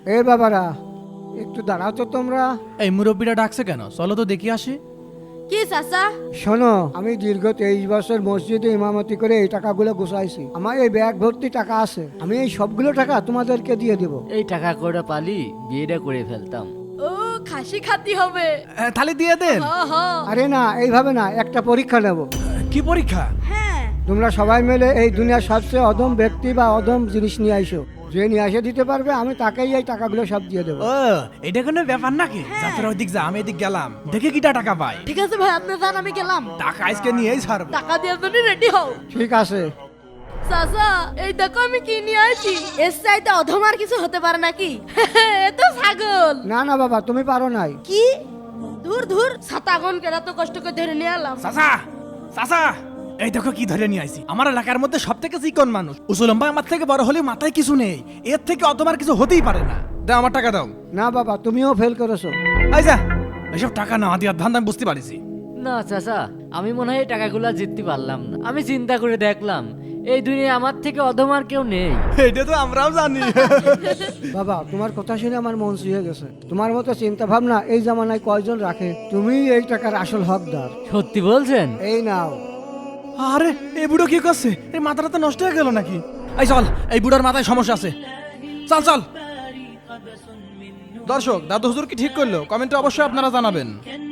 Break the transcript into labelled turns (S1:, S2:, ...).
S1: এ বাবারা, একটু দাঁড়াও তো তোমরা।
S2: এই মুরব্বীরা ডাকছে কেন? চলো তো দেখি আসি।
S3: কি চাচা?
S1: শোনো, আমি দীর্ঘ 23 বছর মসজিদে ইমামতি করে এই টাকাগুলো গুছাইছি। আমার এই ব্যাগ ভর্তি টাকা আছে, আমি এই সবগুলো টাকা তোমাদেরকে দিয়ে দেব।
S4: এই টাকা করে পালি বিয়েটা করে ফেলতাম।
S3: ও খাসি খাতি হবে।
S2: তাহলে দিয়ে দেন।
S3: হ হ।
S1: আরে না, এইভাবে না, একটা পরীক্ষা নেব।
S2: কি পরীক্ষা?
S3: হ্যাঁ।
S1: তোমরা সবাই মিলে এই দুনিয়ার সবচেয়ে অদম ব্যক্তি বা অদম জিনিস নিয়ে আইসো। যে নিয়ে এসে দিতে পারবে আমি তাকেই এই টাকাগুলো সব দিয়ে দেবো।
S2: ও, এটা কোনো ব্যাপার নাকি? যাত্রা ওইদিক যা, আমি এদিক গেলাম, দেখে কিটা টাকা পাই।
S3: ঠিক আছে ভাই, আপনি যান, আমি গেলাম।
S2: টাকা আজকে নিয়েই ছাড়বো।
S3: টাকা দেওয়ার জন্য রেডি হও।
S1: ঠিক আছে।
S3: চাচা, এই দেখো আমি কি নিয়ে আসি। এর চাইতে অধম আর কিছু হতে পারে নাকি? এ তো ছাগল।
S1: না না বাবা, তুমি পারো নাই।
S3: কি? ধুর ধুর, ছাতাগন কেরা তো কষ্ট করে ধরে নিয়ে এলাম।
S2: চাচা, চাচা, এই দেখো কি ধরে নিয়ে আইছি। আমার এলাকার মধ্যে সব থেকে চিকন মানুষ, উসুলম্বা আমার থেকে বড় হলে মাথায় কিছু নেই। এর থেকে অতবার কিছু হতেই পারে না। দাও আমার টাকা দাও।
S1: না বাবা, তুমিও ফেল করেছো।
S2: এই যা, এসব টাকা না দিয়ে ধান্দা আমি বুঝতে পারিছি।
S4: না চাচা, আমি মনে হয় এই টাকাগুলো জিততে পারলাম না। আমি চিন্তা করে দেখলাম এই দুনিয়ায় আমার থেকে অধম আর কেউ নেই।
S2: এটা তো আমরাও জানি।
S1: বাবা, তোমার কথা শুনে আমার মন ছুঁয়ে গেছে। তোমার মতো চিন্তা ভাবনা এই জামানায় কয়জন রাখে? তুমি এই টাকার আসল হকদার।
S4: সত্যি বলছেন?
S1: এই নাও।
S2: আরে, এই বুড়ো কি করছে? এই মাথাটা তো নষ্ট হয়ে গেল নাকি? এই চল, এই বুড়োর মাথায় সমস্যা আছে। চল চল। দর্শক, দাদু হুজুর কি ঠিক করলো? কমেন্টে অবশ্যই আপনারা জানাবেন।